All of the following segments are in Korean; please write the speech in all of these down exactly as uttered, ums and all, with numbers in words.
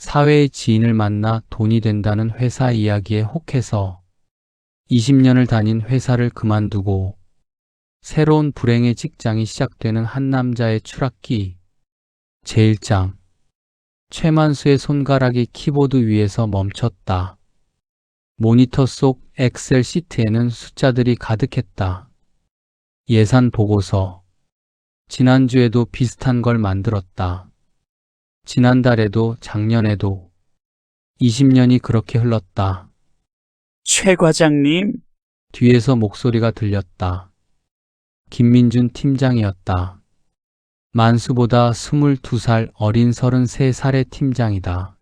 사회의 지인을 만나 돈이 된다는 회사 이야기에 혹해서 이십 년을 다닌 회사를 그만두고 새로운 불행의 직장이 시작되는 한 남자의 추락기. 제일 장. 최만수의 손가락이 키보드 위에서 멈췄다. 모니터 속 엑셀 시트에는 숫자들이 가득했다. 예산 보고서. 지난주에도 비슷한 걸 만들었다. 지난달에도 작년에도. 이십 년이 그렇게 흘렀다. 최 과장님, 뒤에서 목소리가 들렸다. 김민준 팀장이었다. 만수보다 스물두 살 어린 서른세 살의 팀장이다.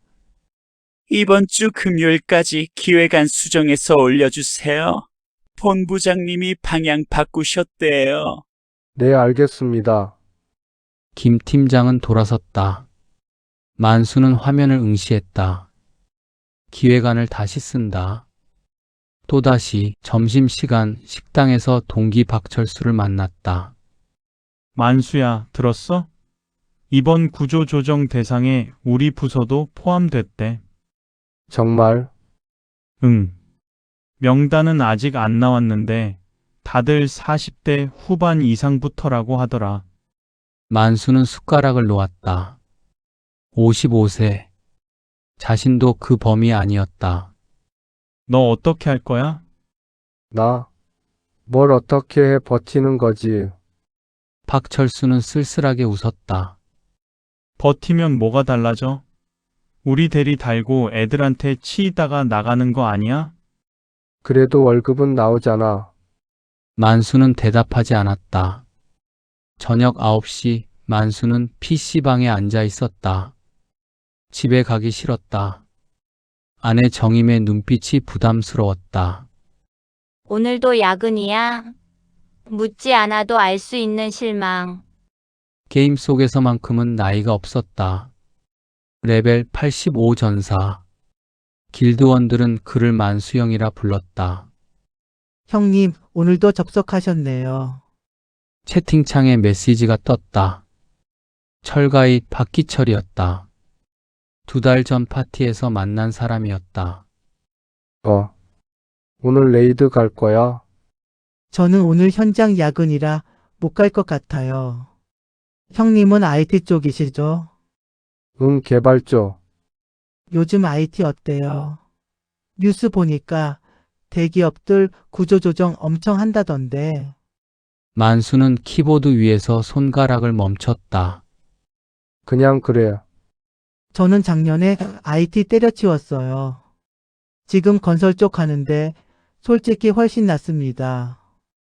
이번 주 금요일까지 기획안 수정해서 올려주세요. 본부장님이 방향 바꾸셨대요. 네, 알겠습니다. 김 팀장은 돌아섰다. 만수는 화면을 응시했다. 기획안을 다시 쓴다. 또다시 점심시간 식당에서 동기 박철수를 만났다. 만수야, 들었어? 이번 구조조정 대상에 우리 부서도 포함됐대. 정말? 응. 명단은 아직 안 나왔는데 다들 사십 대 후반 이상부터라고 하더라. 만수는 숟가락을 놓았다. 오십오 세. 자신도 그 범위 아니었다. 너 어떻게 할 거야? 나? 뭘 어떻게 해 버티는 거지? 박철수는 쓸쓸하게 웃었다. 버티면 뭐가 달라져? 우리 대리 달고 애들한테 치이다가 나가는 거 아니야? 그래도 월급은 나오잖아. 만수는 대답하지 않았다. 저녁 아홉 시 만수는 피씨방에 앉아 있었다. 집에 가기 싫었다. 아내 정임의 눈빛이 부담스러웠다. 오늘도 야근이야? 묻지 않아도 알 수 있는 실망. 게임 속에서만큼은 나이가 없었다. 레벨 팔십오 전사. 길드원들은 그를 만수형이라 불렀다. 형님, 오늘도 접속하셨네요. 채팅창에 메시지가 떴다. 철가이 박기철이었다. 두 달 전 파티에서 만난 사람이었다. 어. 오늘 레이드 갈 거야? 저는 오늘 현장 야근이라 못 갈 것 같아요. 형님은 아이티 쪽이시죠? 응, 개발 쪽. 요즘 아이티 어때요? 뉴스 보니까 대기업들 구조조정 엄청 한다던데. 만수는 키보드 위에서 손가락을 멈췄다. 그냥 그래. 저는 작년에 아이티 때려치웠어요. 지금 건설 쪽 하는데 솔직히 훨씬 낫습니다.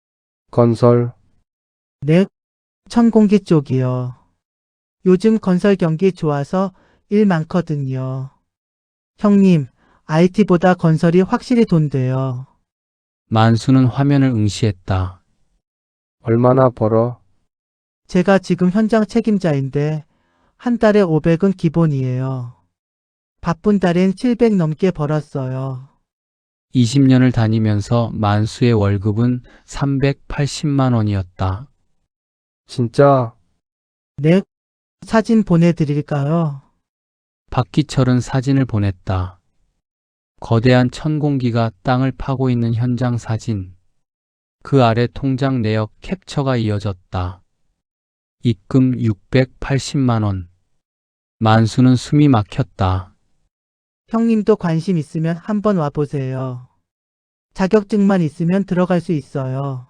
건설. 네, 천공기 쪽이요. 요즘 건설 경기 좋아서 일 많거든요. 형님, 아이티보다 건설이 확실히 돈돼요. 만수는 화면을 응시했다. 얼마나 벌어? 제가 지금 현장 책임자인데 한 달에 오백은 기본이에요. 바쁜 달엔 칠백 넘게 벌었어요. 이십 년을 다니면서 만수의 월급은 삼백팔십만 원이었다. 진짜? 네, 사진 보내드릴까요? 박기철은 사진을 보냈다. 거대한 천공기가 땅을 파고 있는 현장 사진. 그 아래 통장 내역 캡처가 이어졌다. 입금 육백팔십만 원. 만수는 숨이 막혔다. 형님도 관심 있으면 한번 와보세요. 자격증만 있으면 들어갈 수 있어요.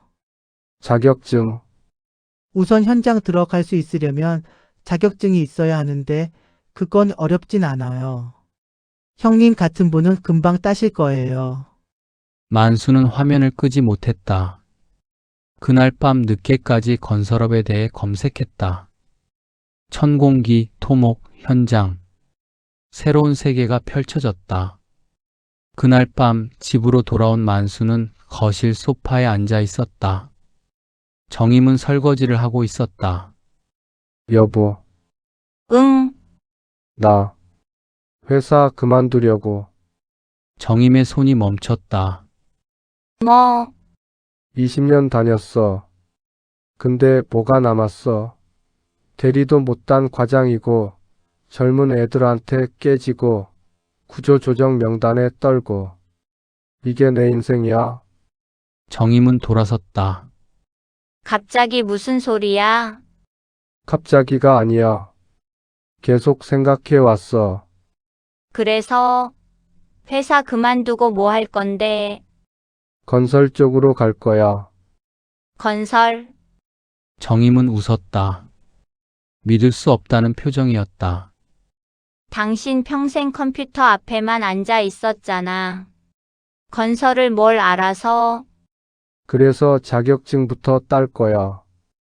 자격증. 우선 현장 들어갈 수 있으려면 자격증이 있어야 하는데 그건 어렵진 않아요. 형님 같은 분은 금방 따실 거예요. 만수는 화면을 끄지 못했다. 그날 밤 늦게까지 건설업에 대해 검색했다. 천공기, 토목, 현장. 새로운 세계가 펼쳐졌다. 그날 밤 집으로 돌아온 만수는 거실 소파에 앉아 있었다. 정임은 설거지를 하고 있었다. 여보, 응, 나 회사 그만두려고. 정임의 손이 멈췄다. 뭐, 이십 년 다녔어. 근데 뭐가 남았어? 대리도 못 단 과장이고 젊은 애들한테 깨지고 구조조정 명단에 떨고 이게 내 인생이야. 정임은 돌아섰다. 갑자기 무슨 소리야? 갑자기가 아니야. 계속 생각해 왔어. 그래서 회사 그만두고 뭐 할 건데? 건설 쪽으로 갈 거야. 건설? 정임은 웃었다. 믿을 수 없다는 표정이었다. 당신 평생 컴퓨터 앞에만 앉아 있었잖아. 건설을 뭘 알아서? 그래서 자격증부터 딸 거야.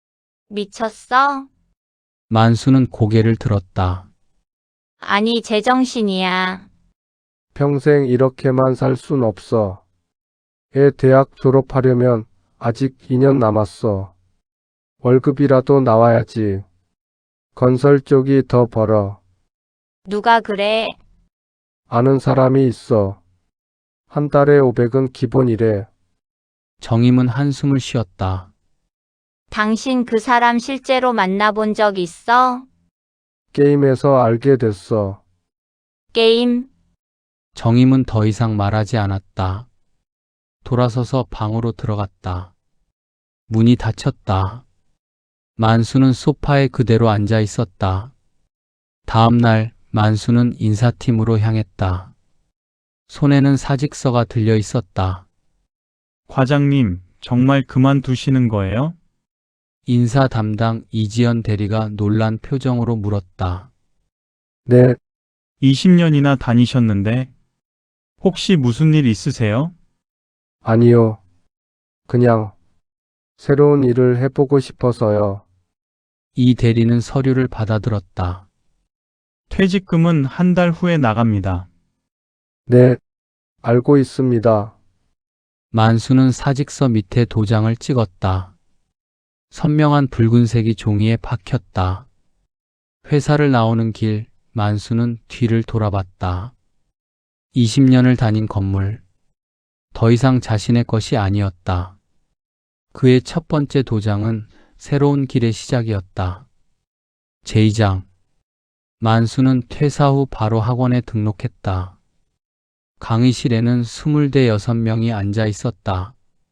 미쳤어? 만수는 고개를 들었다. 아니, 제정신이야. 평생 이렇게만 살 순 없어. 애 대학 졸업하려면 아직 이 년 남았어. 월급이라도 나와야지. 건설 쪽이 더 벌어. 누가 그래? 아는 사람이 있어. 한 달에 오백은 기본이래. 정임은 한숨을 쉬었다. 당신 그 사람 실제로 만나본 적 있어? 게임에서 알게 됐어. 게임? 정임은 더 이상 말하지 않았다. 돌아서서 방으로 들어갔다. 문이 닫혔다. 만수는 소파에 그대로 앉아 있었다. 다음 날 만수는 인사팀으로 향했다. 손에는 사직서가 들려 있었다. 과장님, 정말 그만두시는 거예요? 인사 담당 이지연 대리가 놀란 표정으로 물었다. 네, 이십 년이나 다니셨는데 혹시 무슨 일 있으세요? 아니요. 그냥 새로운 일을 해보고 싶어서요. 이 대리는 서류를 받아들었다. 퇴직금은 한 달 후에 나갑니다. 네, 알고 있습니다. 만수는 사직서 밑에 도장을 찍었다. 선명한 붉은색이 종이에 박혔다. 회사를 나오는 길, 만수는 뒤를 돌아봤다. 이십 년을 다닌 건물. 더 이상 자신의 것이 아니었다. 그의 첫 번째 도장은 새로운 길의 시작이었다. 제이 장. 만수는 퇴사 후 바로 학원에 등록했다. 강의실에는 스물여섯 명이 앉아 있었다.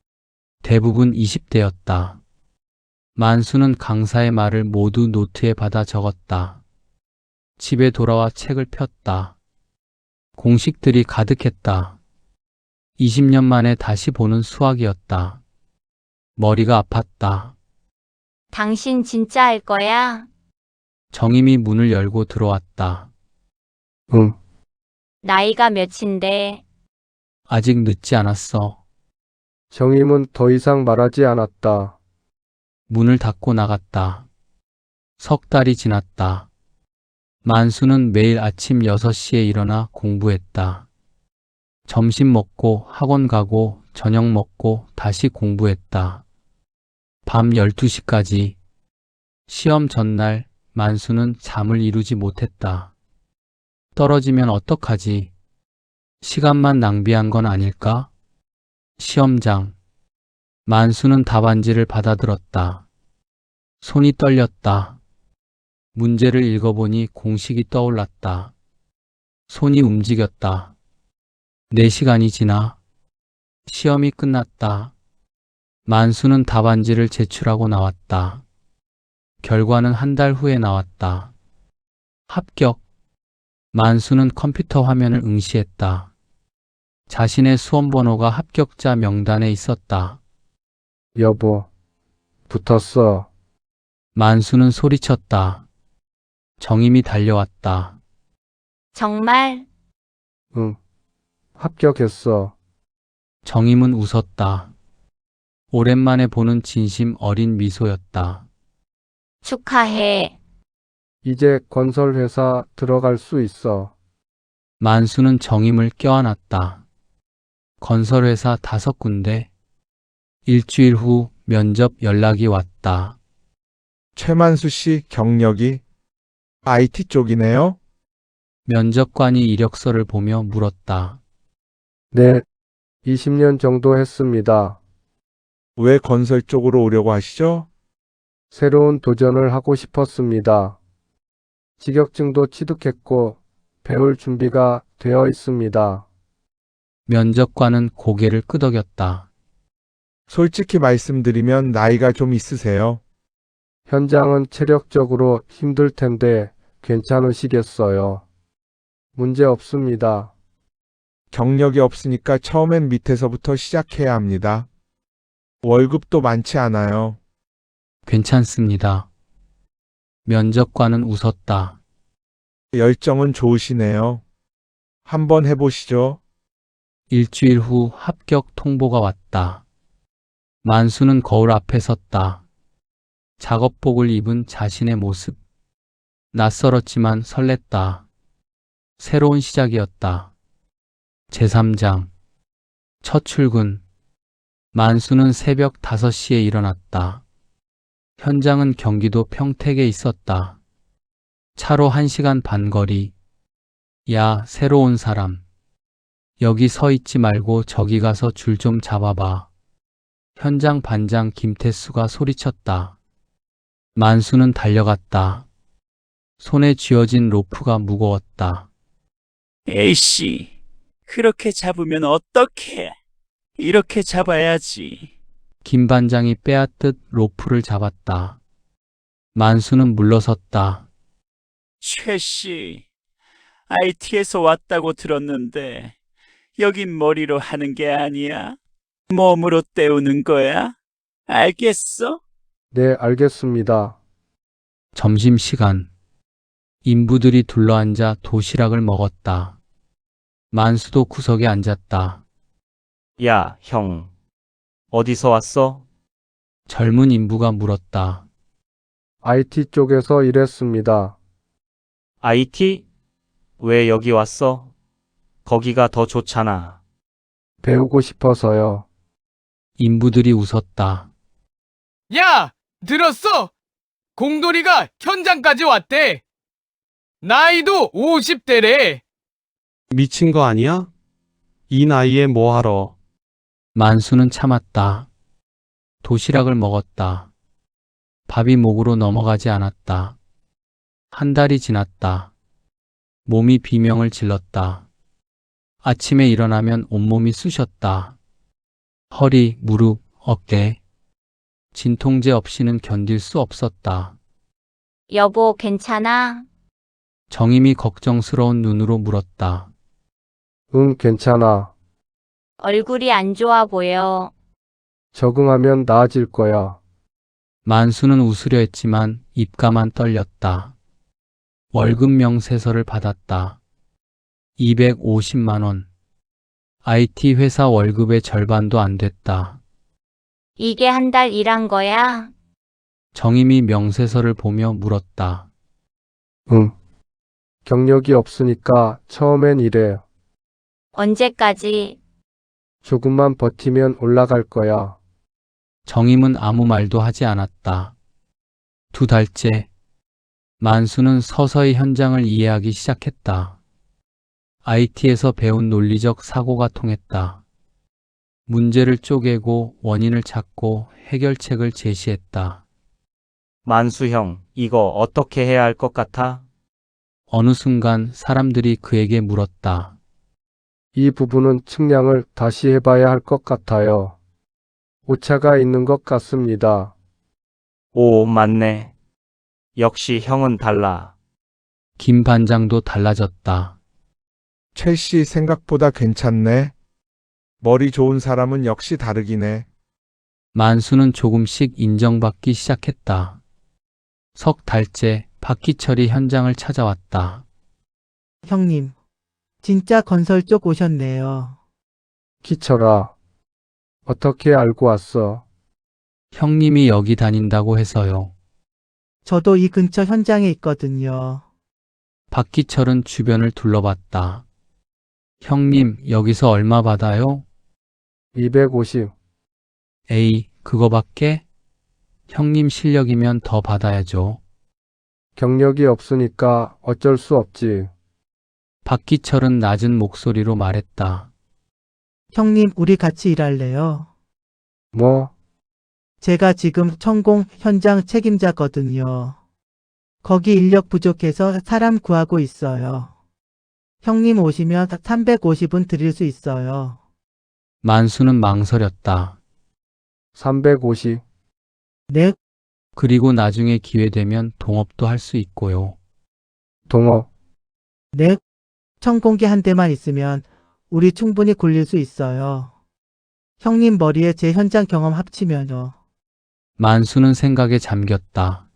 대부분 이십 대였다. 만수는 강사의 말을 모두 노트에 받아 적었다. 집에 돌아와 책을 폈다. 공식들이 가득했다. 이십 년 만에 다시 보는 수학이었다. 머리가 아팠다. 당신 진짜 할 거야? 정임이 문을 열고 들어왔다. 응, 나이가 몇인데? 아직 늦지 않았어. 정임은 더 이상 말하지 않았다. 문을 닫고 나갔다. 석 달이 지났다. 만수는 매일 아침 여섯 시에 일어나 공부했다. 점심 먹고 학원 가고 저녁 먹고 다시 공부했다. 밤 열두 시까지. 시험 전날 만수는 잠을 이루지 못했다. 떨어지면 어떡하지? 시간만 낭비한 건 아닐까? 시험장. 만수는 답안지를 받아들었다. 손이 떨렸다. 문제를 읽어보니 공식이 떠올랐다. 손이 움직였다. 네 시간이 지나 시험이 끝났다. 만수는 답안지를 제출하고 나왔다. 결과는 한 달 후에 나왔다. 합격. 만수는 컴퓨터 화면을 응시했다. 자신의 수험번호가 합격자 명단에 있었다. 여보, 붙었어. 만수는 소리쳤다. 정임이 달려왔다. 정말? 응, 합격했어. 정임은 웃었다. 오랜만에 보는 진심 어린 미소였다. 축하해. 이제 건설회사 들어갈 수 있어. 만수는 정임을 껴안았다. 건설회사 다섯 군데. 일주일 후 면접 연락이 왔다. 최만수 씨 경력이 아이티 쪽이네요. 면접관이 이력서를 보며 물었다. 네, 이십 년 정도 했습니다. 왜 건설 쪽으로 오려고 하시죠? 새로운 도전을 하고 싶었습니다. 자격증도 취득했고 배울 준비가 되어 있습니다. 면접관은 고개를 끄덕였다. 솔직히 말씀드리면 나이가 좀 있으세요. 현장은 체력적으로 힘들 텐데 괜찮으시겠어요? 문제 없습니다. 경력이 없으니까 처음엔 밑에서부터 시작해야 합니다. 월급도 많지 않아요. 괜찮습니다. 면접관은 웃었다. 열정은 좋으시네요. 한번 해보시죠. 일주일 후 합격 통보가 왔다. 만수는 거울 앞에 섰다. 작업복을 입은 자신의 모습. 낯설었지만 설렜다. 새로운 시작이었다. 제삼 장. 첫 출근. 만수는 새벽 다섯 시에 일어났다. 현장은 경기도 평택에 있었다. 차로 한 시간 반 거리. 야, 새로 온 사람. 여기 서 있지 말고 저기 가서 줄 좀 잡아봐. 현장 반장 김태수가 소리쳤다. 만수는 달려갔다. 손에 쥐어진 로프가 무거웠다. 에이씨, 그렇게 잡으면 어떡해? 이렇게 잡아야지. 김 반장이 빼앗듯 로프를 잡았다. 만수는 물러섰다. 최 씨, 아이티에서 왔다고 들었는데 여긴 머리로 하는 게 아니야? 몸으로 때우는 거야? 알겠어? 네, 알겠습니다. 점심시간. 인부들이 둘러앉아 도시락을 먹었다. 만수도 구석에 앉았다. 야, 형. 어디서 왔어? 젊은 인부가 물었다. 아이티 쪽에서 일했습니다. 아이티? 왜 여기 왔어? 거기가 더 좋잖아. 배우고 싶어서요. 인부들이 웃었다. 야! 들었어? 공돌이가 현장까지 왔대. 나이도 오십 대래. 미친 거 아니야? 이 나이에 뭐 하러? 만수는 참았다. 도시락을 먹었다. 밥이 목으로 넘어가지 않았다. 한 달이 지났다. 몸이 비명을 질렀다. 아침에 일어나면 온몸이 쑤셨다. 허리, 무릎, 어깨. 진통제 없이는 견딜 수 없었다. 여보, 괜찮아? 정임이 걱정스러운 눈으로 물었다. 응, 괜찮아. 얼굴이 안 좋아 보여. 적응하면 나아질 거야. 만수는 웃으려 했지만 입가만 떨렸다. 월급 명세서를 받았다. 이백오십만 원. 아이티 회사 월급의 절반도 안 됐다. 이게 한 달 일한 거야? 정임이 명세서를 보며 물었다. 응. 경력이 없으니까 처음엔 이래. 언제까지? 조금만 버티면 올라갈 거야. 정임은 아무 말도 하지 않았다. 두 달째. 만수는 서서히 현장을 이해하기 시작했다. 아이티에서 배운 논리적 사고가 통했다. 문제를 쪼개고 원인을 찾고 해결책을 제시했다. 만수 형, 이거 어떻게 해야 할 것 같아? 어느 순간 사람들이 그에게 물었다. 이 부분은 측량을 다시 해봐야 할 것 같아요. 오차가 있는 것 같습니다. 오, 맞네. 역시 형은 달라. 김 반장도 달라졌다. 첼시 생각보다 괜찮네. 머리 좋은 사람은 역시 다르긴 해. 만수는 조금씩 인정받기 시작했다. 석 달째 박기철이 현장을 찾아왔다. 형님, 진짜 건설 쪽 오셨네요. 키쳐라. 어떻게 알고 왔어? 형님이 여기 다닌다고 해서요. 저도 이 근처 현장에 있거든요. 박기철은 주변을 둘러봤다. 형님, 여기서 얼마 받아요? 이백오십. 에이, 그거밖에? 형님 실력이면 더 받아야죠. 경력이 없으니까 어쩔 수 없지. 박기철은 낮은 목소리로 말했다. 형님, 우리 같이 일할래요? 뭐? 제가 지금 천공 현장 책임자거든요. 거기 인력 부족해서 사람 구하고 있어요. 형님 오시면 삼백오십은 드릴 수 있어요. 만수는 망설였다. 삼백오십. 네, 그리고 나중에 기회 되면 동업도 할 수 있고요. 동업. 네. 천공기 한 대만 있으면 우리 충분히 굴릴 수 있어요. 형님 머리에 제 현장 경험 합치면요. 만수는 생각에 잠겼다.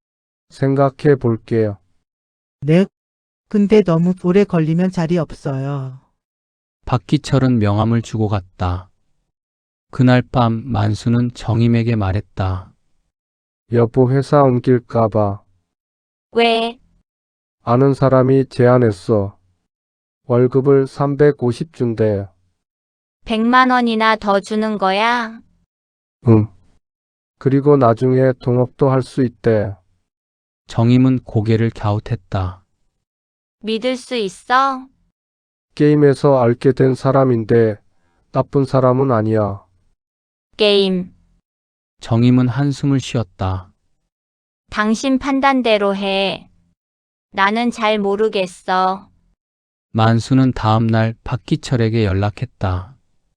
생각해 볼게요. 네. 근데 너무 오래 걸리면 자리 없어요. 박기철은 명함을 주고 갔다. 그날 밤 만수는 정임에게 말했다. 여보 회사 옮길까봐 왜? 아는 사람이 제안했어. 월급을 삼백오십 준대. 백만 원이나 더 주는 거야? 응. 그리고 나중에 동업도 할 수 있대. 정임은 고개를 갸웃했다. 믿을 수 있어? 게임에서 알게 된 사람인데 나쁜 사람은 아니야. 게임. 정임은 한숨을 쉬었다. 당신 판단대로 해. 나는 잘 모르겠어. 만수는 다음 날 박기철에게 연락했다.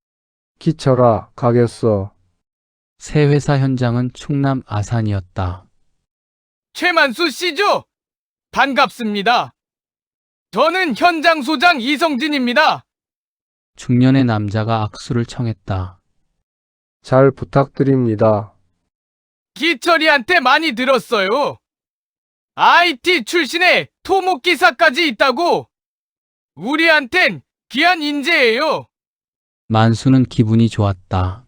기철아, 가겠어. 새 회사 현장은 충남 아산이었다. 최만수 씨죠? 반갑습니다. 저는 현장 소장 이성진입니다. 중년의 남자가 악수를 청했다. 잘 부탁드립니다. 기철이한테 많이 들었어요. 아이티 출신의 토목기사까지 있다고. 우리한텐 귀한 인재예요. 만수는 기분이 좋았다.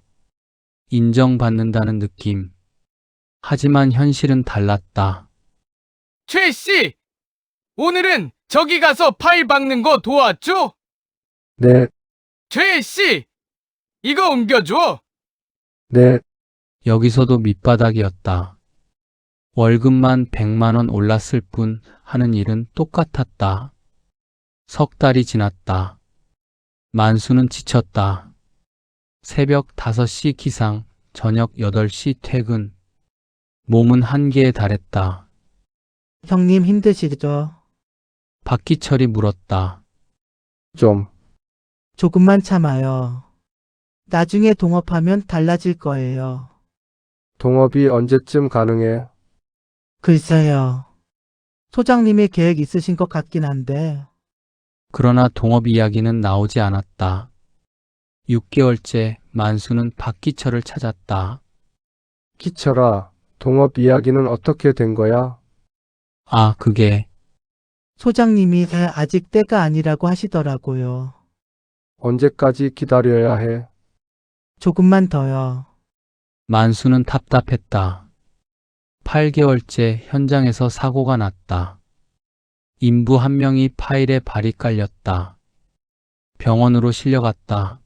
인정받는다는 느낌. 하지만 현실은 달랐다. 최 씨, 오늘은 저기 가서 파일 박는 거 도왔죠? 네, 최 씨, 이거 옮겨줘. 네, 여기서도 밑바닥이었다. 월급만 백만 원 올랐을 뿐 하는 일은 똑같았다. 석 달이 지났다. 만수는 지쳤다. 새벽 다섯 시 기상, 저녁 여덟 시 퇴근. 몸은 한계에 달했다. 형님 힘드시죠? 박기철이 물었다. 좀. 조금만 참아요. 나중에 동업하면 달라질 거예요. 동업이 언제쯤 가능해? 글쎄요. 소장님의 계획 있으신 것 같긴 한데. 그러나 동업 이야기는 나오지 않았다. 육 개월째 만수는 박기철을 찾았다. 기철아, 동업 이야기는 어떻게 된 거야? 아, 그게 소장님이 아직 때가 아니라고 하시더라고요. 언제까지 기다려야 해? 조금만 더요. 만수는 답답했다. 팔 개월째 현장에서 사고가 났다. 인부 한 명이 파일에 발이 깔렸다. 병원으로 실려갔다.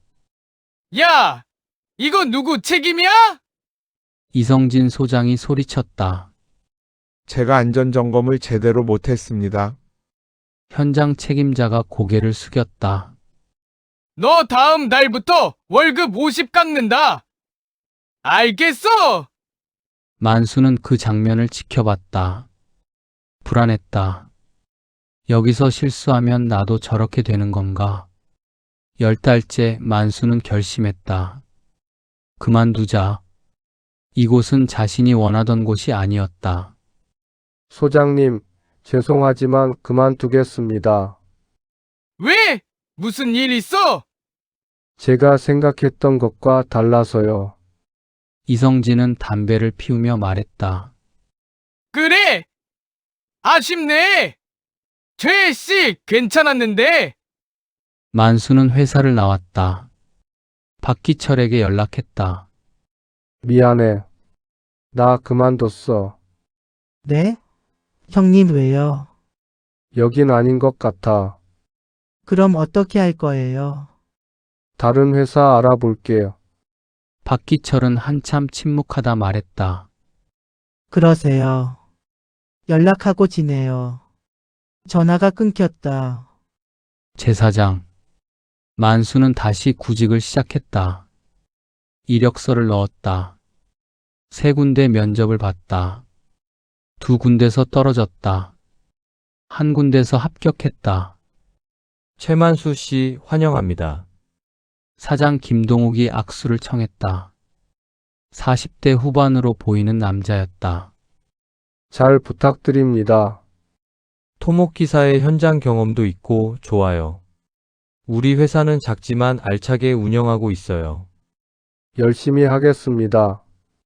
야, 이거 누구 책임이야? 이성진 소장이 소리쳤다. 제가 안전점검을 제대로 못했습니다. 현장 책임자가 고개를 숙였다. 너 다음 달부터 월급 오십 깎는다. 알겠어? 만수는 그 장면을 지켜봤다. 불안했다. 여기서 실수하면 나도 저렇게 되는 건가? 열 달째 만수는 결심했다. 그만두자. 이곳은 자신이 원하던 곳이 아니었다. 소장님, 죄송하지만 그만두겠습니다. 왜? 무슨 일 있어? 제가 생각했던 것과 달라서요. 이성진은 담배를 피우며 말했다. 그래? 아쉽네. 최 씨 괜찮았는데. 만수는 회사를 나왔다. 박기철에게 연락했다. 미안해. 나 그만뒀어. 네? 형님 왜요? 여긴 아닌 것 같아. 그럼 어떻게 할 거예요? 다른 회사 알아볼게요. 박기철은 한참 침묵하다 말했다. 그러세요. 연락하고 지내요. 전화가 끊겼다. 제사장. 만수는 다시 구직을 시작했다. 이력서를 넣었다. 세 군데 면접을 봤다. 두 군데서 떨어졌다. 한 군데서 합격했다. 최만수 씨 환영합니다. 사장 김동욱이 악수를 청했다. 사십 대 후반으로 보이는 남자였다. 잘 부탁드립니다. 토목기사의 현장 경험도 있고 좋아요. 우리 회사는 작지만 알차게 운영하고 있어요. 열심히 하겠습니다.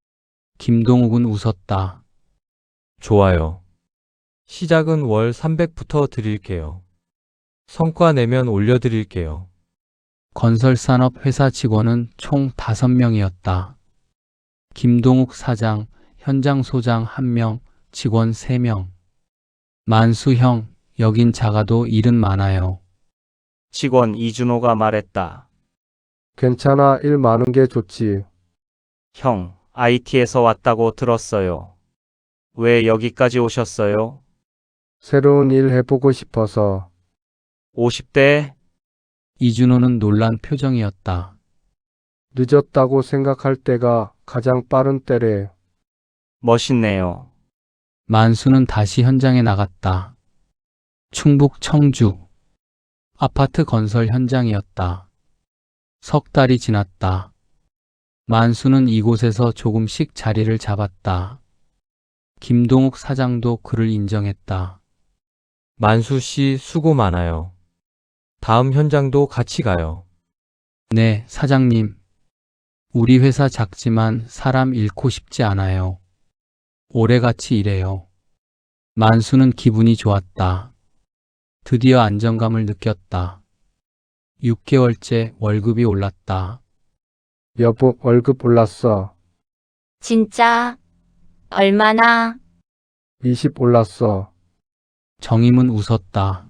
김동욱은 웃었다. 좋아요. 시작은 월 삼백부터 드릴게요. 성과 내면 올려드릴게요. 건설산업 회사 직원은 총 다섯 명이었다. 김동욱 사장, 현장 소장 한 명, 직원 세 명. 만수 형, 여긴 작아도 일은 많아요. 직원 이준호가 말했다. 괜찮아, 일 많은 게 좋지. 형, 아이티에서 왔다고 들었어요. 왜 여기까지 오셨어요? 새로운 일 해보고 싶어서. 오십 대? 이준호는 놀란 표정이었다. 늦었다고 생각할 때가 가장 빠른 때래. 멋있네요. 만수는 다시 현장에 나갔다. 충북 청주. 아파트 건설 현장이었다. 석 달이 지났다. 만수는 이곳에서 조금씩 자리를 잡았다. 김동욱 사장도 그를 인정했다. 만수 씨 수고 많아요. 다음 현장도 같이 가요. 네, 사장님. 우리 회사 작지만 사람 잃고 싶지 않아요. 오래같이 일해요. 만수는 기분이 좋았다. 드디어 안정감을 느꼈다. 육 개월째 월급이 올랐다. 여보, 월급 올랐어. 진짜? 얼마나? 이십 올랐어. 정임은 웃었다.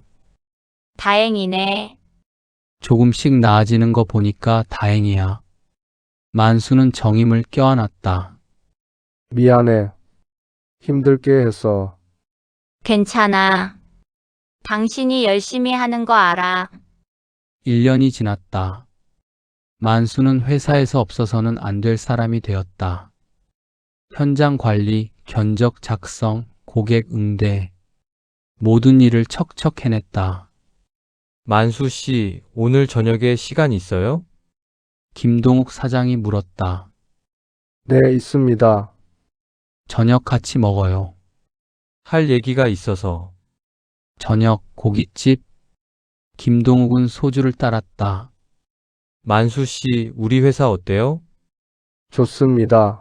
다행이네. 조금씩 나아지는 거 보니까 다행이야. 만수는 정임을 껴안았다. 미안해. 힘들게 해서. 괜찮아. 당신이 열심히 하는 거 알아. 일 년이 지났다. 만수는 회사에서 없어서는 안 될 사람이 되었다. 현장 관리, 견적 작성, 고객 응대. 모든 일을 척척 해냈다. 만수 씨, 오늘 저녁에 시간 있어요? 김동욱 사장이 물었다. 네, 있습니다. 저녁 같이 먹어요. 할 얘기가 있어서. 저녁 고깃집. 김동욱은 소주를 따랐다. 만수 씨, 우리 회사 어때요? 좋습니다.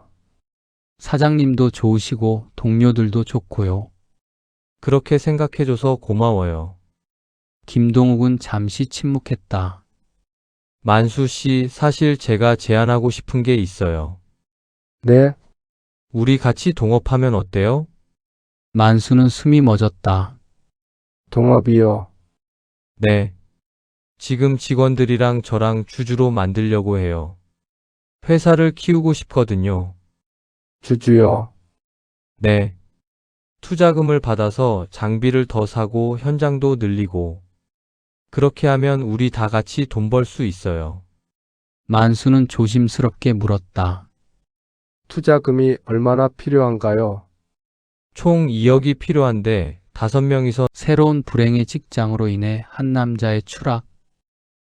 사장님도 좋으시고 동료들도 좋고요. 그렇게 생각해줘서 고마워요. 김동욱은 잠시 침묵했다. 만수 씨, 사실 제가 제안하고 싶은 게 있어요. 네, 우리 같이 동업하면 어때요? 만수는 숨이 멎었다. 동업이요. 네. 지금 직원들이랑 저랑 주주로 만들려고 해요. 회사를 키우고 싶거든요. 주주요. 네. 투자금을 받아서 장비를 더 사고 현장도 늘리고. 그렇게 하면 우리 다 같이 돈 벌 수 있어요. 만수는 조심스럽게 물었다. 투자금이 얼마나 필요한가요? 총 이억이 필요한데 다섯 명이서 새로운 불행의 직장으로 인해 한 남자의 추락,